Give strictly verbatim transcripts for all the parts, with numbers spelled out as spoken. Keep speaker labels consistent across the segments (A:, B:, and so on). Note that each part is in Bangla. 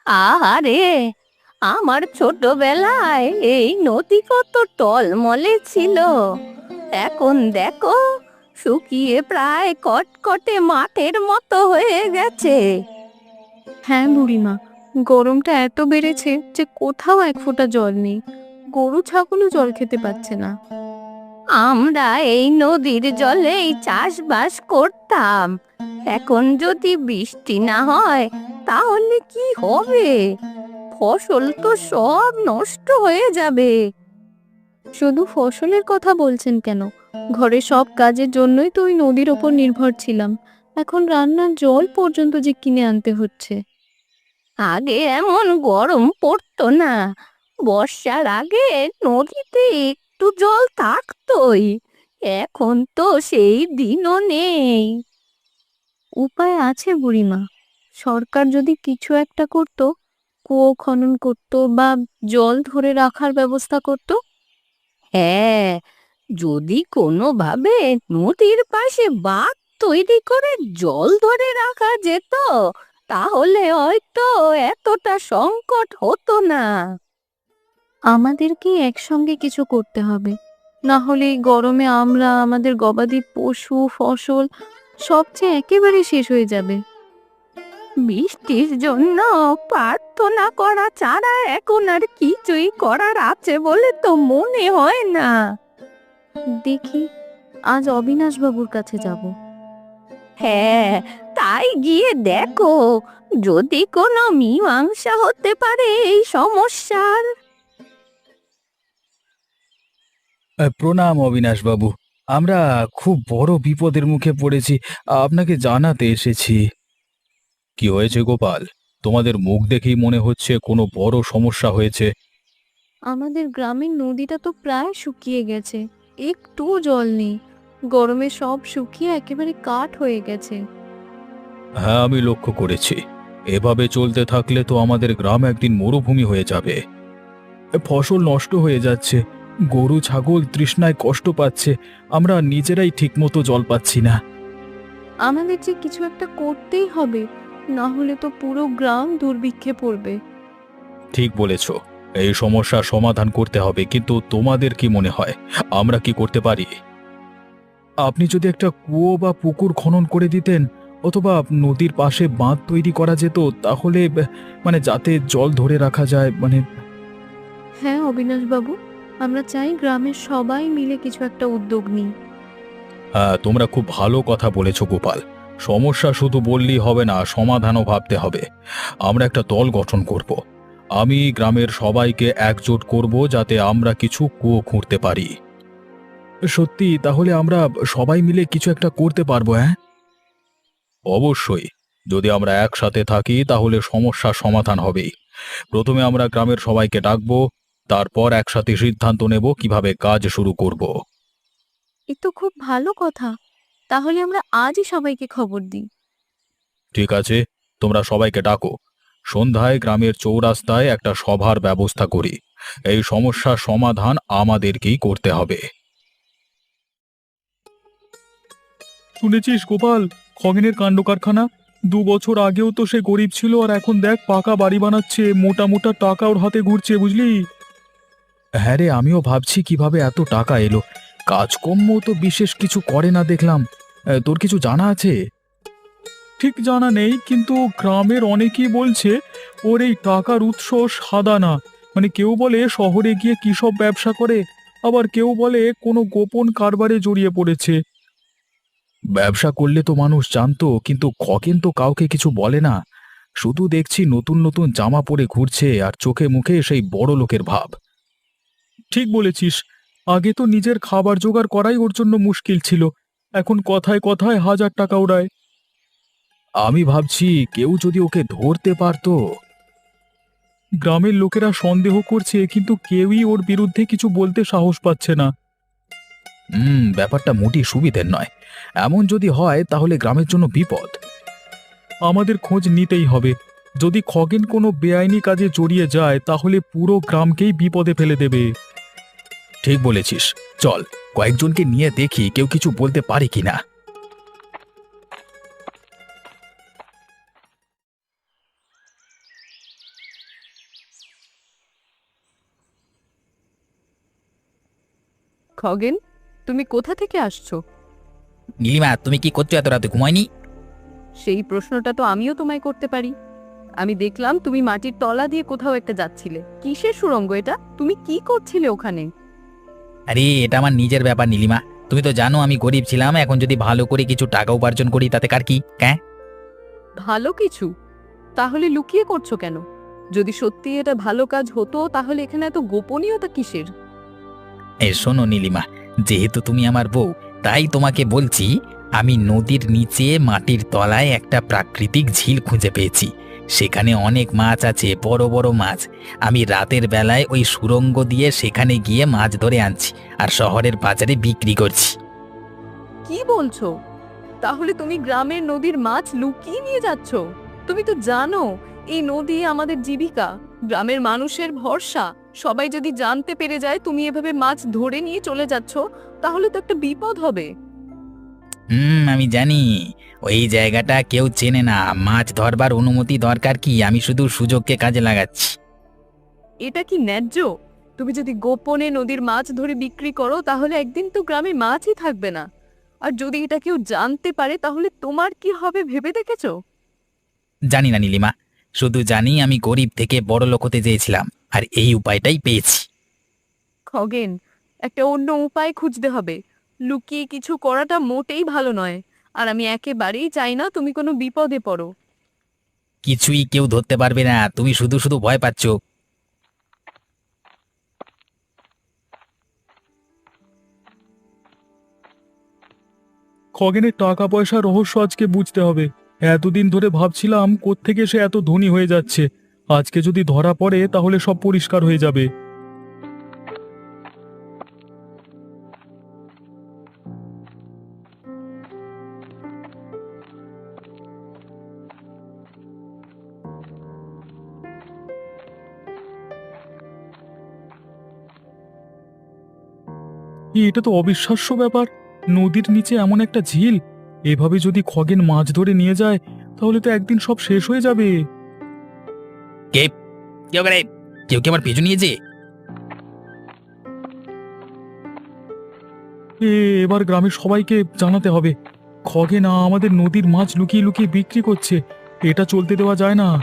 A: আহারে, আমার ছোটবেলায় এই নদী কত টলমলে ছিল। এখন দেখো, শুকিয়ে প্রায় কটকটে মাঠের মতো হয়ে গেছে।
B: হ্যাঁ বুড়িমা, গরমটা এত বেড়েছে যে কোথাও এক ফোঁটা জল নেই। গরু ছাগলও জল খেতে পাচ্ছে না।
A: আমরা এই নদীর জলেই চাষবাস করতাম। এখন যদি বৃষ্টি না হয় তাহলে কি হবে? ফসল তো সব নষ্ট হয়ে যাবে।
B: শুধু ফসলের কথা বলছেন কেন? ঘরে সব কাজের জন্যই তো ওই নদীর ওপর নির্ভর ছিলাম। এখন রান্নার জল পর্যন্ত যে কিনে আনতে হচ্ছে।
A: আগে এমন গরম পড়তো না। বর্ষার আগে নদীতে একটু জল থাকতোই। এখন তো সেই দিনও নেই।
B: উপায় আছে বুড়িমা। সরকার যদি কিছু একটা করতো, কুয়ো খনন করতো বা জল ধরে রাখার ব্যবস্থা করতো।
A: হ্যাঁ, যদি কোনোভাবে নদীর পাশে বাঁধ তৈরি করে জল ধরে রাখা যেত, তাহলে হয়তো এতটা সংকট হতো না।
B: আমাদেরকেই একসঙ্গে কিছু করতে হবে, না হলে এই গরমে আমরা, আমাদের গবাদি পশু, ফসল সবচেয়ে একেবারে শেষ হয়ে যাবে।
A: বৃষ্টির জন্য প্রার্থনা করা ছাড়া এখন আর কিছুই করার আছে বলে তো মনে হয় না।
B: দেখি, আজ অবিনাশ বাবুর কাছে যাব।
A: হ্যাঁ, তাই গিয়ে দেখো, যদি কোনো মীমাংসা হতে পারে এই সমস্যার।
C: আহ, প্রণাম অবিনাশবাবু। আমরা খুব বড় বিপদের মুখে পড়েছি, আপনাকে জানাতে এসেছি। কি হয়েছে গোপাল? তোমাদের মুখ দেখেই মনে হচ্ছে কোনো বড় সমস্যা হয়েছে।
B: আমাদের গ্রামের নদীটা তো প্রায় শুকিয়ে গেছে, একটুও জল নেই। গরমে সব শুকিয়ে একেবারে কাঠ হয়ে গেছে।
C: হ্যাঁ, আমি লক্ষ্য করেছি। এভাবে চলতে থাকলে তো আমাদের গ্রাম একদিন মরুভূমি হয়ে যাবে। এ, ফসল নষ্ট হয়ে যাচ্ছে, গরু ছাগল তৃষ্ণায় কষ্ট পাচ্ছে, আমরা নিজেরাই ঠিকমতো জল পাচ্ছি না।
B: আমাদের যে কিছু একটা করতেই হবে, না হলে তো পুরো গ্রাম দুর্ভিক্ষে পড়বে।
C: ঠিক বলেছ, এই সমস্যার সমাধান করতে হবে, কিন্তু তোমাদের কি মনে হয় আমরা কি করতে পারি? আপনি যদি একটা কুয়ো বা পুকুর খনন করে দিতেন, অথবা নদীর পাশে বাঁধ তৈরি করা যেত, তাহলে ব- মানে যাতে জল ধরে রাখা যায়, মানে।
B: হ্যাঁ অবিনাশ বাবু, আমরা চাই গ্রামের সবাই মিলে কিছু একটা উদ্যোগ নিই।
C: হ্যাঁ, তোমরা খুব ভালো কথা বলেছো গোপাল। সমস্যা শুধু বললেই হবে না, সমাধানও ভাবতে হবে। আমরা একটা দল গঠন করব। আমি গ্রামের সবাইকে একজোট করব যাতে আমরা কিছু কুয়ো খুঁড়তে পারি। সত্যি? তাহলে আমরা সবাই মিলে কিছু একটা করতে পারবো, হ্যাঁ? অবশ্যই। যদি আমরা একসাথে থাকি তাহলে সমস্যার সমাধান হবেই। প্রথমে আমরা গ্রামের সবাইকে ডাকবো, তারপর একসাথে সিদ্ধান্ত নেব কিভাবে কাজ শুরু করব।
B: এ তো খুব ভালো কথা। তাহলে আমরা আজই সবাইকে খবর দিই।
C: ঠিক আছে, তোমরা সবাইকে ডাকো। সন্ধ্যায় গ্রামের চৌরাস্তায় একটা সভার ব্যবস্থা করি। এই সমস্যার সমাধান আমাদেরকেই করতে হবে। শুনেছিস গোপাল, খগেনের কাণ্ড কারখানা? দু বছর আগেও তো সে গরিব ছিল, আর এখন দেখ পাকা বাড়ি বানাচ্ছে, মোটা মোটা টাকা ওর হাতে ঘুরছে, বুঝলি? হ্যাঁ রে, আমিও ভাবছি কিভাবে এত টাকা এলো। কাজকর্ম তো বিশেষ কিছু করে না দেখলাম। আহ, তোর কিছু জানা আছে? ঠিক জানা নেই, কিন্তু গ্রামের অনেকেই বলছে ওর এই টাকার উৎস সাদা না। মানে কেউ বলে শহরে গিয়ে কী সব ব্যবসা করে, আবার কেউ বলে কোনো গোপন কারবারে জড়িয়ে পড়েছে। ব্যবসা করলে তো মানুষ জানতো, কিন্তু খগেন তো কাউকে কিছু বলে না। শুধু দেখছি নতুন নতুন জামা পরে ঘুরছে, আর চোখে মুখে সেই বড় লোকের ভাব। ঠিক বলেছিস। আগে তো নিজের খাবার জোগাড় করাই ওর জন্য মুশকিল ছিল, এখন কথায় কথায় হাজার টাকা ওড়ায়। আমি ভাবছি কেউ যদি ওকে ধরতে পারতো। গ্রামের লোকেরা সন্দেহ করছে, কিন্তু কেউই ওর বিরুদ্ধে কিছু বলতে সাহস পাচ্ছে না। হুম, ব্যাপারটা মোটেই সুবিধের নয়। এমন যদি হয় তাহলে গ্রামের জন্য বিপদ। আমাদের খোঁজ নিতেই হবে। যদি খগেন কোনো বেআইনি কাজে জড়িয়ে যায় তাহলে পুরো গ্রামকেই বিপদে ফেলে দেবে। ঠিক বলেছিস। চল, কয়েকজনকে নিয়ে দেখি কেউ কিছু বলতে পারে কিনা।
B: খগেন, তুমি কোথা থেকে আসছো?
D: নীলিমা, তুমি কি করছো এত রাতে? ঘুমায়নি?
B: সেই প্রশ্নটা তো আমিও তোমায় করতে পারি। আমি দেখলাম তুমি মাটির তলা দিয়ে কোথাও একটা যাচ্ছিলে। কিসের সুড়ঙ্গ এটা? তুমি কি করছিলে ওখানে?
D: আরে এটা আমার নিজের ব্যাপার নীলিমা। তুমি তো জানো আমি গরিব ছিলাম, এখন যদি ভালো করে কিছু টাকা উপার্জন করি তাতে কার কি? হ্যাঁ,
B: ভালো কিছু? তাহলে লুকিয়ে করছো কেন? যদি সত্যি এটা ভালো কাজ হতো তাহলে এখানে এত গোপনীয়তা কিসের?
D: এই শোনো নীলিমা, যেহেতু তুমি আমার বউ, তাই তোমাকে বলছি, আমি নদীর নিচে মাটির তলায় একটা প্রাকৃতিক ঝিল খুঁজে পেয়েছি। সেখানে অনেক মাছ আছে, বড় বড় মাছ। আমি রাতের বেলায় ওই সুড়ঙ্গ দিয়ে সেখানে গিয়ে মাছ ধরে আনছি আর শহরের বাজারে বিক্রি করছি।
B: কি বলছো? তাহলে তুমি গ্রামের নদীর মাছ লুকিয়ে নিয়ে যাচ্ছ? তুমি তো জানো এই নদী আমাদের জীবিকা, গ্রামের মানুষের ভরসা। সবাই যদি জানতে পেরে যায় তুমি এভাবে মাছ ধরে নিয়ে চলে যাচ্ছ, তাহলে তো একটা বিপদ হবে।
D: হুম, আমি জানি ওই জায়গাটা কেউ চেনে না। মাছ ধরবার অনুমতি দরকার কি? আমি শুধু সুযোগকে কাজে লাগাচ্ছি।
B: এটা কি ন্যায্য? তুমি যদি গোপনে নদীর মাছ ধরে বিক্রি করো তাহলে একদিন তো গ্রামে মাছই থাকবে না। আর যদি এটা কেউ জানতে পারে তাহলে তোমার কি হবে ভেবে দেখেছো?
D: জানি না নীলিমা, শুধু জানি আমি গরিব থেকে বড় লোক হতে চেয়েছিলাম, আর এই উপায়টাই পেয়েছি।
B: খগেন, একটা অন্য উপায় খুঁজতে হবে। লুকিয়ে কিছু করাটা মোটেই ভালো নয়। আর আমি একেবারেই চাই না তুমি কোনো বিপদে পড়ো।
D: কিছুই কেউ ধরতে পারবে না, তুমি শুধু শুধু ভয় পাচ্ছ।
C: খগেনের টাকা পয়সার রহস্য আজকে বুঝতে হবে। এতদিন ধরে ভাবছিলাম কোত্থেকে সে এত ধনী হয়ে যাচ্ছে। আজকে যদি ধরা পড়ে তাহলে সব পরিষ্কার হয়ে যাবে। এ, এটা তো অবিশ্বাস্য ব্যাপার। নদীর নিচে এমন একটা ঝিল। এভাবে যদি খগেন মাছ ধরে নিয়ে যায় তাহলে তো একদিন সব শেষ হয়ে যাবে।
D: কে? কেউ করে? কেউ কি আমার পিছু নিয়েছে?
C: এ, এবার গ্রামের সবাইকে জানাতে হবে। খগেন আমাদের নদীর মাছ লুকিয়ে লুকিয়ে বিক্রি করছে। এটা চলতে দেওয়া যায় না।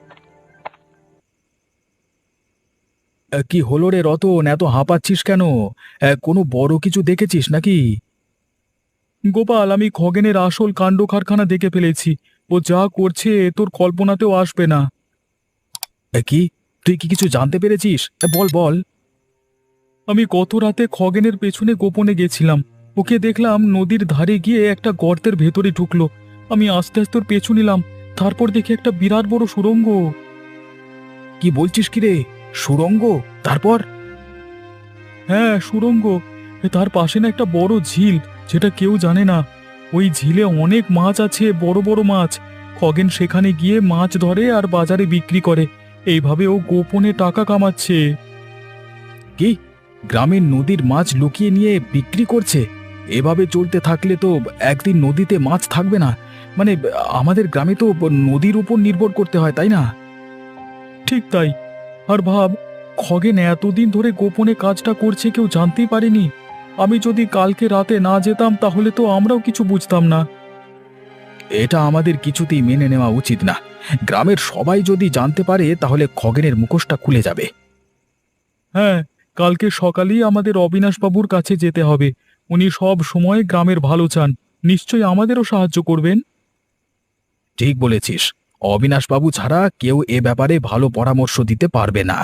C: কি হলো রে রতন, এত হাঁপাচ্ছিস কেন? কোনো বড় কিছু দেখেছিস নাকি? গোপাল, আমি খগেনের আসল কাণ্ড কারখানা দেখে ফেলেছি। ও যা করছে তোর কল্পনাতেও আসবে না। কি? তুই কি কিছু জানতে পেরেছিস? বল বল। আমি গত রাতে খগেনের পেছনে গোপনে গেছিলাম। ওকে দেখলাম নদীর ধারে গিয়ে একটা গর্তের ভেতরে ঢুকলো। আমি আস্তে আস্তে ওর পেছু নিলাম। তারপর দেখি একটা বিরাট বড় সুড়ঙ্গ। কি বলছিস কি রে? সুড়ঙ্গ? তারপর? হ্যাঁ, সুড়ঙ্গ। তার পাশে না একটা বড় ঝিল, যেটা কেউ জানে না। ওই ঝিলে অনেক মাছ আছে, বড় বড় মাছ। খগেন সেখানে গিয়ে মাছ ধরে আর বাজারে বিক্রি করে। এইভাবে ও গোপনে টাকা কামাচ্ছে। কি? গ্রামের নদীর মাছ লুকিয়ে নিয়ে বিক্রি করছে? এভাবে চলতে থাকলে তো একদিন নদীতে মাছ থাকবে না। মানে আমাদের গ্রামে তো নদীর উপর নির্ভর করতে হয়, তাই না? ঠিক তাই। আর ভাব, খগেন এতদিন ধরে গোপনে কাজটা করছে, কেউ জানতেই পারেনি। আমি যদি কালকে রাতে না যেতাম তাহলে তো আমরাও কিছু বুঝতাম না। এটা আমাদের কিছুতেই মেনে নেওয়া উচিত না। গ্রামের সবাই যদি জানতে পারে তাহলে খগেনের মুখোশটা খুলে যাবে। হ্যাঁ, কালকে সকালেই আমাদের অবিনাশবাবুর কাছে যেতে হবে। উনি সব সময় গ্রামের ভালো চান, নিশ্চয়ই আমাদেরও সাহায্য করবেন। ঠিক বলেছিস। অবিনাশবাবু ছাড়া কেউ এ ব্যাপারে ভালো পরামর্শ দিতে পারবে না।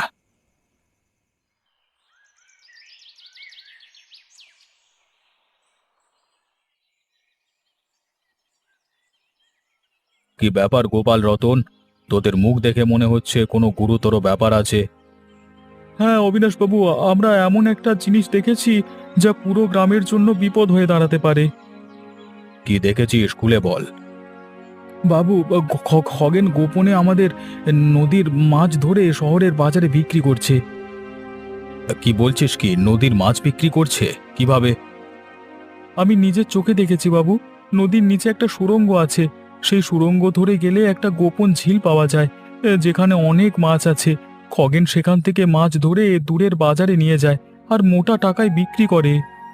C: কি ব্যাপার গোপাল, রতন? তোদের মুখ দেখে মনে হচ্ছে কোনো গুরুতর ব্যাপার আছে। হ্যাঁ অবিনাশবাবু, আমরা এমন একটা জিনিস দেখেছি যা পুরো গ্রামের জন্য বিপদ হয়ে দাঁড়াতে পারে। কি দেখেছিস, খুলে বল। বাবু, খ- খগেন গোপনে আমাদের নদীর মাছ ধরে শহরের বাজারে বিক্রি করছে। কি বলছিস? কি নদীর মাছ বিক্রি করছে? কিভাবে? আমি নিজের চোখে দেখেছি বাবু। নদীর নিচে একটা সুড়ঙ্গ আছে। সেই সুড়ঙ্গ ধরে গেলে একটা গোপন ঝিল পাওয়া যায়, এ, যেখানে অনেক মাছ আছে। খগেন সেখান থেকে মাছ ধরে দূরের বাজারে নিয়ে যায় আর মোটা টাকায় বিক্রি করে।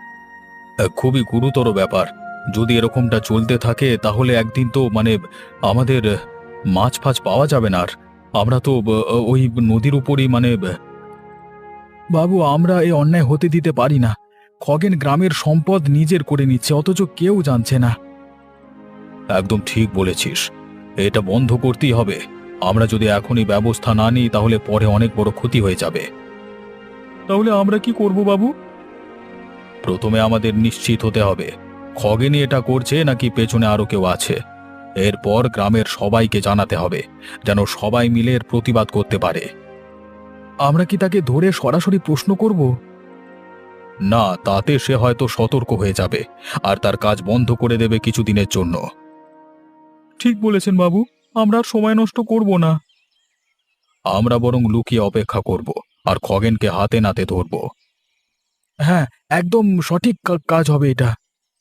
C: খুবই গুরুতর ব্যাপার। যদি এরকমটা চলতে থাকে তাহলে একদিন তো মানে আমাদের মাছ ফাছ পাওয়া যাবে না আর। আমরা তো ব- ওই নদীর উপরই মানে বাবু, আমরা এই অন্যায় হতে দিতে পারি না। খগেন গ্রামের সম্পদ নিজের করে নিচ্ছে, অথচ কেউ জানছে না। একদম ঠিক বলেছিস, এটা বন্ধ করতেই হবে। আমরা যদি এখনই ব্যবস্থা না নিই তাহলে পরে অনেক বড় ক্ষতি হয়ে যাবে। তাহলে আমরা কি করব বাবু? প্রথমে আমাদের নিশ্চিত হতে হবে খগেনই এটা করছে নাকি পেছনে আরো কেউ আছে। এরপর গ্রামের সবাইকে জানাতে হবে, যেন সবাই মিলে এর প্রতিবাদ করতে পারে। আমরা কি তাকে ধরে সরাসরি প্রশ্ন করব? না, তাতে সে হয়তো সতর্ক হয়ে যাবে আর তার কাজ বন্ধ করে দেবে কিছুদিনের জন্য। ঠিক বলেছেন বাবু, আমরা আর সময় নষ্ট করব না। আমরা বরং লুকিয়ে অপেক্ষা করব আর খগেনকে হাতে নাতে ধরব। হ্যাঁ, একদম সঠিক কা- কাজ হবে এটা।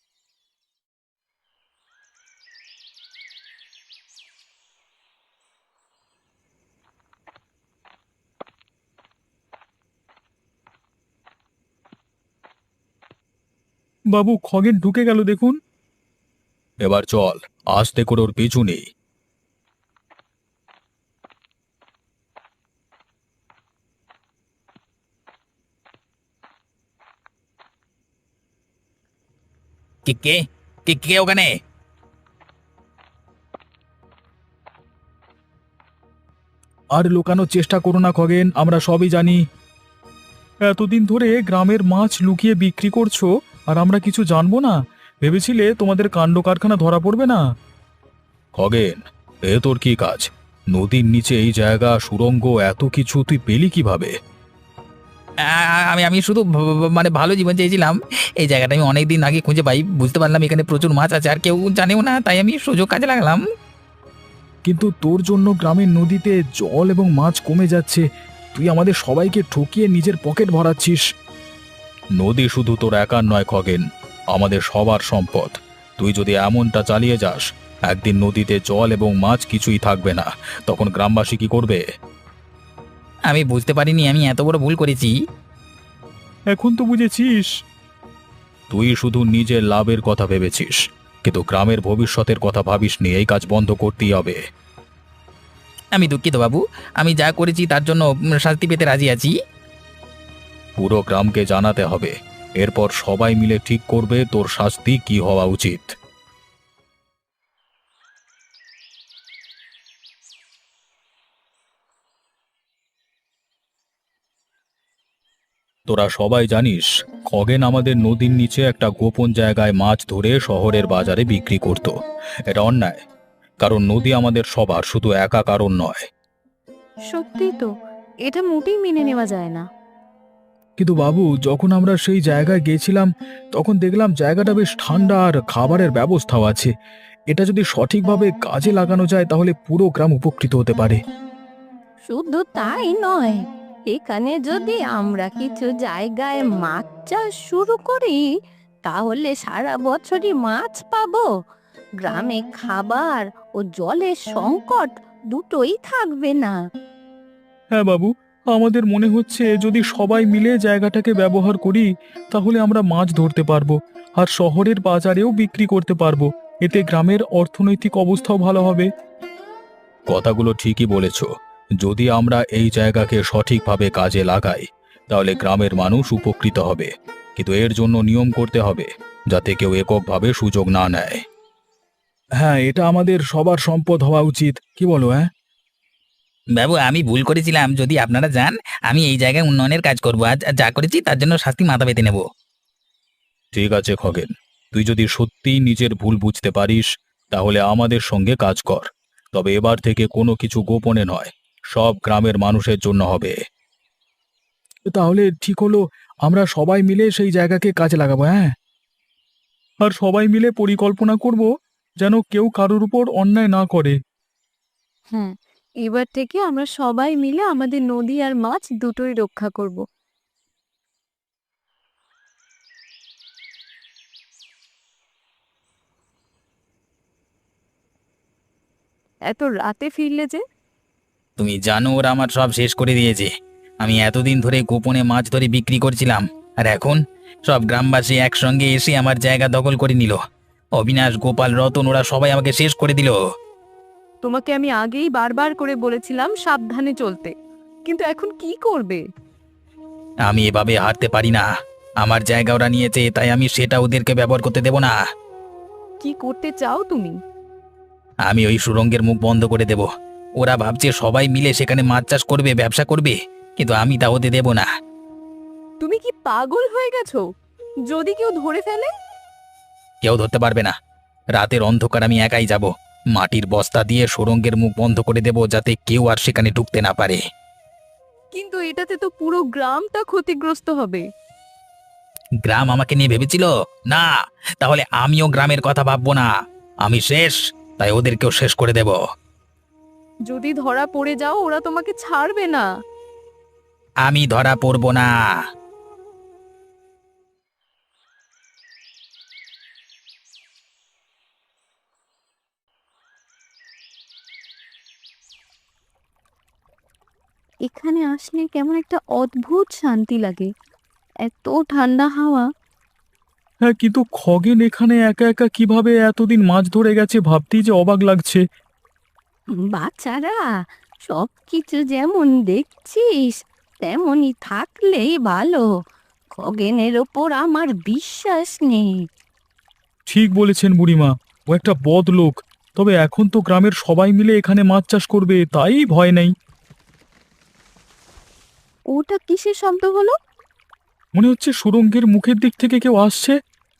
C: বাবু, খগেন ঢুকে গেল দেখুন। এবার চল, আস্তে করে ওর পিছু নেই।
D: কে কে কে কে ওখানে?
C: আর লুকানোর চেষ্টা করো না খগেন, আমরা সবই জানি। এতদিন ধরে গ্রামের মাছ লুকিয়ে বিক্রি করছো আর আমরা কিছু জানবো না? ভেবেছিলে তোমাদের কাণ্ড কারখানা ধরা পড়বে না? খগেন, এ তোর কি কাজ? নদীর নিচে এই জায়গা, সুড়ঙ্গ, এত কিছু তুই পেলি কিভাবে?
D: আ- আমি আমি শুধু ভ- ভ- মানে ভালো জীবন চেয়েছিলাম। এই জায়গাটা আমি অনেক দিন আগে খুঁজে পাই, বুঝতে পারলাম এখানে প্রচুর মাছ আছে আর কেউ জানেও না, তাই আমি সুযোগ কাজে লাগালাম।
C: কিন্তু তোর জন্য গ্রামের নদীতে জল এবং মাছ কমে যাচ্ছে, তুই আমাদের সবাইকে ঠকিয়ে নিজের পকেট ভরাচ্ছিস। নদী শুধু তোর একার নয় খগেন, আমাদের সবার সম্পদ। তুই যদি এমনটা চালিয়ে যাস, একদিন নদীতে জল এবং মাছ কিছুই থাকবে না। তখন গ্রামবাসী কি করবে?
D: আমি বুঝতে পারিনি আমি এত বড় ভুল করেছি।
C: এখন তো বুঝেছিস। তুই শুধু নিজের লাভের কথা ভেবেছিস, কিন্তু গ্রামের ভবিষ্যতের কথা ভাবিসনি। এই কাজ বন্ধ করতেই হবে।
D: আমি দুঃখিত বাবু, আমি যা করেছি তার জন্য উম, শাস্তি পেতে রাজি আছি।
C: পুরো গ্রামকে জানাতে হবে, এরপর সবাই মিলে ঠিক করবে তোর শাস্তি কি হওয়া উচিত। তোরা সবাই জানিস, খগেন আমাদের নদীর নিচে একটা গোপন জায়গায় মাছ ধরে শহরের বাজারে বিক্রি করত। এটা অন্যায়, কারণ নদী আমাদের সবার, শুধু একা কারণ নয়।
B: সত্যি তো, এটা মোটেই মেনে নেওয়া যায় না।
C: কিন্তু বাবু, যখন আমরা সেই জায়গায় গেছিলাম তখন দেখলাম জায়গাটা বেশ ঠান্ডা আর খাবারের ব্যবস্থাও আছে। এটা যদি সঠিকভাবে কাজে লাগানো যায় তাহলে পুরো গ্রাম উপকৃত হতে পারে।
A: শুধু তাই নয়, এখানে যদি আমরা কিছু জায়গায় মাছ চাষ শুরু করি, তাহলে সারা বছরই মাছ পাবো। গ্রামে খাবার ও জলের সংকট দুটোই থাকবে না।
C: হ্যাঁ বাবু, আমাদের মনে হচ্ছে যদি সবাই মিলে জায়গাটাকে ব্যবহার করি তাহলে আমরা মাছ ধরতে পারবো আর শহরের বাজারেও বিক্রি করতে পারবো। এতে গ্রামের অর্থনৈতিক অবস্থাও ভালো হবে। কথাগুলো ঠিকই বলেছ। যদি আমরা এই জায়গাকে সঠিকভাবে কাজে লাগাই তাহলে গ্রামের মানুষ উপকৃত হবে, কিন্তু এর জন্য নিয়ম করতে হবে যাতে কেউ এককভাবে সুযোগ না নেয়। হ্যাঁ, এটা আমাদের সবার সম্পদ হওয়া উচিত, কি বলো? হ্যাঁ
D: বাবু, আমি ভুল করেছিলাম, যদি আপনারা যান আমি এই জায়গায় উন্নয়নের কাজ করবো, আজ যা করেছি তার জন্য শাস্তি মাথা পেতে নেব।
C: ঠিক আছে খগেন, তুই যদি সত্যিই নিজের ভুল বুঝতে পারিস তাহলে আমাদের সঙ্গে কাজ কর। তবে এবার থেকে কোনো কিছু গোপনে নয়, সব গ্রামের মানুষের জন্য হবে। তাহলে ঠিক হলো, আমরা সবাই মিলে সেই জায়গাকে কাজে লাগাবো। হ্যাঁ, আর সবাই মিলে পরিকল্পনা করব যেন কেউ কারোর উপর অন্যায় না করে।
B: হ্যাঁ, এবার থেকে আমরা সবাই মিলে আমাদের নদী আর মাছ দুটোই রক্ষা করব। এত রাতে ফিরলে যে?
D: তুমি জানো ওরা আমার সব শেষ করে দিয়েছে। আমি এতদিন ধরে গোপনে মাছ ধরে বিক্রি করছিলাম, আর এখন সব গ্রামবাসী একসঙ্গে এসে আমার জায়গা দখল করে নিল। অবিনাশ, গোপাল, রতন ওরা সবাই আমাকে শেষ করে দিল।
B: তোমাকে আমি আগেই বারবার করে বলেছিলাম সাবধানে চলতে, কিন্তু এখন কি করবে?
D: আমি এভাবে হারতে পারি না। আমার জায়গা ওরা নিয়েছে, তাই আমি সেটা ওদেরকে ব্যবহার করতে দেব না।
B: কি করতে চাও তুমি?
D: আমি ওই সুড়ঙ্গের মুখ বন্ধ করে দেব। ওরা ভাবছে সবাই মিলে সেখানে মাছ চাষ করবে, ব্যবসা করবে, কিন্তু আমি তা হতে দেব না।
B: তুমি কি পাগল হয়ে গেছো? যদি কেউ ধরে ফেলে?
D: কেউ ধরতে পারবে না। রাতের অন্ধকার আমি একাই যাব। মাটির বস্তা দিয়ে সুড়ঙ্গের মুখ বন্ধ করে দেব, যাতে কেউ আর সেখানে ঢুকতে না পারে।
B: কিন্তু এটাতে তো পুরো গ্রামটা ক্ষতিগ্রস্ত হবে।
D: গ্রাম আমাকে নিয়ে ভেবেছিল? না, তাহলে আমিও গ্রামের কথা ভাববো না। আমি শেষ, তাই ওদেরকেও শেষ করে দেব।
B: যদি ধরা পড়ে যাও, ওরা তোমাকে ছাড়বে না।
D: আমি ধরা পড়ব না।
A: এখানে আসলে কেমন একটা অদ্ভুত শান্তি লাগে, এত ঠান্ডা হাওয়া।
C: হ্যাঁ, কিন্তু খগেন এখানে একা একা কিভাবে এতদিন মাছ ধরে গেছে ভাবতেই যে অবাক লাগছে।
A: বাচ্চারা, সব কিছু যেমন দেখছিস তেমনই থাকলেই ভালো। খগেনের ওপর আমার বিশ্বাস নেই।
C: ঠিক বলেছেন বুড়িমা, ও একটা বদ লোক। তবে এখন তো গ্রামের সবাই মিলে এখানে মাছ চাষ করবে, তাই ভয় নেই।
A: ওটা কিসের শব্দ হলো?
C: মনে হচ্ছে সুড়ঙ্গের মুখের দিক থেকে কেউ আসছে।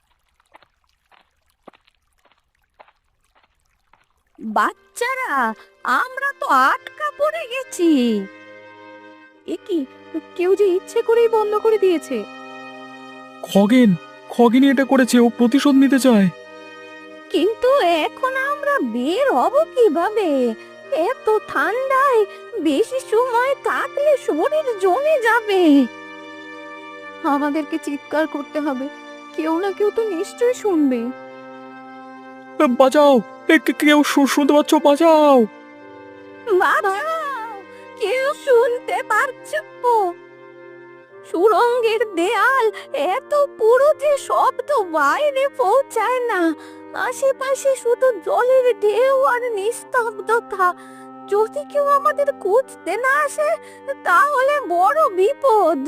A: বাচ্চারা, আমরা তো আটকা পড়ে গেছি।
B: এ কি, কেউ যে ইচ্ছে করেই বন্ধ করে দিয়েছে।
C: খগেন, খগেনই এটা করেছে, ও প্রতিশোধ নিতে চায়।
A: কিন্তু এখন আমরা বের হব কিভাবে? এত ঠান্ডায় বেশি সময় থাকলে শরীর জমে যাবে।
B: আমাদেরকে চিৎকার করতে হবে, কেউ না কেউ তো নিশ্চয়ই শুনবে।
C: এ, বাঁচাও! এ, কে- কেউ শু- শুনতে পাচ্ছ? বাঁচাও!
A: বাঁচাও! কেউ শুনতে পারছো? সুড়ঙ্গের দেয়াল এত পুরো যে শব্দ বাইরে পৌঁছায় না। আশেপাশে শুধু জলের ঢেউ আর নিস্তব্ধতা। যদি কেউ আমাদের খুঁজতে না আসে, তাহলে বড় বিপদ।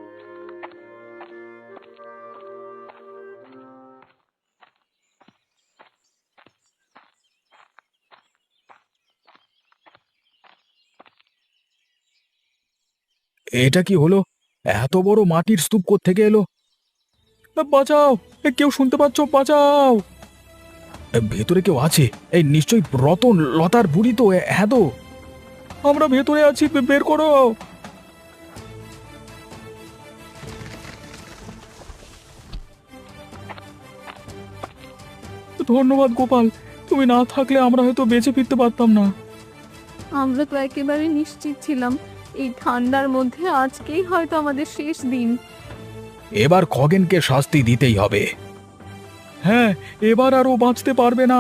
C: এটা কি হলো? এত বড় মাটির স্তূপ কোত্থেকে এলো? এ, বাঁচাও! এ, কেউ শুনতে পাচ্ছ? বাঁচাও! এ, ভেতরে কেউ আছে। এই নিশ্চয়ই রতন, লতার বুড়ি তো। এ, হ্যাঁ তো, আমরা ভেতরে আছি, বে- বের করো। ধন্যবাদ গোপাল, তুমি না থাকলে আমরা হয়তো বেঁচে ফিরতে পারতাম না।
B: আমরা তো একেবারে নিশ্চিত ছিলাম এই ঠান্ডার মধ্যে আজকেই হয়তো আমাদের শেষ দিন।
C: এবার খগেনকে শাস্তি দিতেই হবে। হ্যাঁ, এবার আর ও বাঁচতে পারবে না।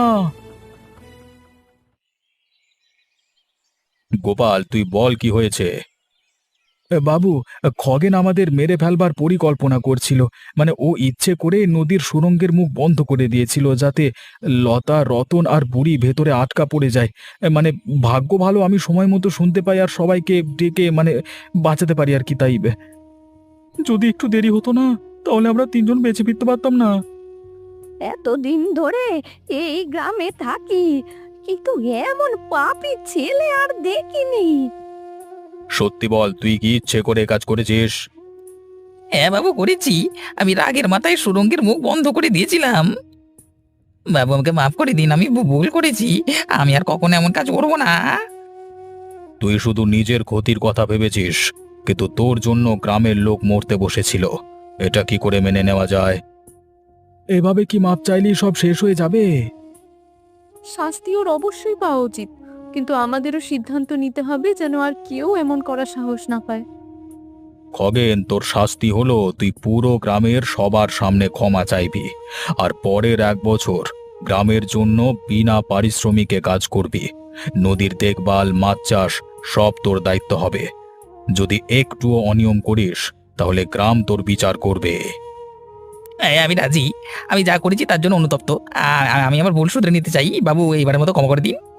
C: গোপাল, তুই বল কি হয়েছে? বাবু, খগেন আমাদের মেরে ফেলবার পরিকল্পনা করছিল। মানে ও ইচ্ছে করে নদীর সুড়ঙ্গের মুখ বন্ধ করে দিয়েছিল, যাতে লতা, রতন আর বুড়ি ভেতরে আটকা পড়ে যায়। মানে ভাগ্য ভালো আমি সময় মতো শুনতে পাই আর সবাইকে ডেকে মানে বাঁচাতে পারি আর কি। তাই যদি একটু দেরি হতো না, তাহলে আমরা তিনজন বেঁচে ফিরতে পারতাম না।
A: এতদিন ধরে এই গ্রামে থাকি, কিন্তু এমন পাপী ছেলে আর দেখিনি।
C: সত্যি বল, তুই কি ইচ্ছে করে কাজ করেছিস?
D: হ্যাঁ বাবু, করেছি। আমি রাগের মাথায় সুড়ঙ্গের মুখ বন্ধ করে দিয়েছিলাম। বাবু, আমাকে মাফ করে দিন, আমি ভু- ভুল করেছি। আমি আর কখনো এমন কাজ করবো না।
C: তুই শুধু নিজের ক্ষতির কথা ভেবেছিস, কিন্তু তোর জন্য গ্রামের লোক মরতে বসেছিল। এটা কি করে মেনে নেওয়া যায়? এভাবে কি মাপ চাইলেই সব শেষ হয়ে যাবে?
B: শাস্তি ওর অবশ্যই পাওয়া উচিত, কিন্তু আমাদেরও সিদ্ধান্ত নিতে হবে যেন আর কেউ এমন করার সাহস না পায়।
C: খগেন, তোর শাস্তি হলো তুই পুরো গ্রামের সবার সামনে ক্ষমা চাইবি, আর পরের এক বছর গ্রামের জন্য বিনা পারিশ্রমিকে কাজ করবি। নদীর দেখভাল, মাছ চাষ সব তোর দায়িত্ব হবে। যদি একটুও অনিয়ম করিস, তাহলে গ্রাম তোর বিচার করবে।
D: হ্যাঁ, আমি রাজি। আমি যা করেছি তার জন্য অনুতপ্ত। আ- আ- আমি আমার ভুল শুধরে নিতে চাই। বাবু এইবারের মতো ক্ষমা করে দিন।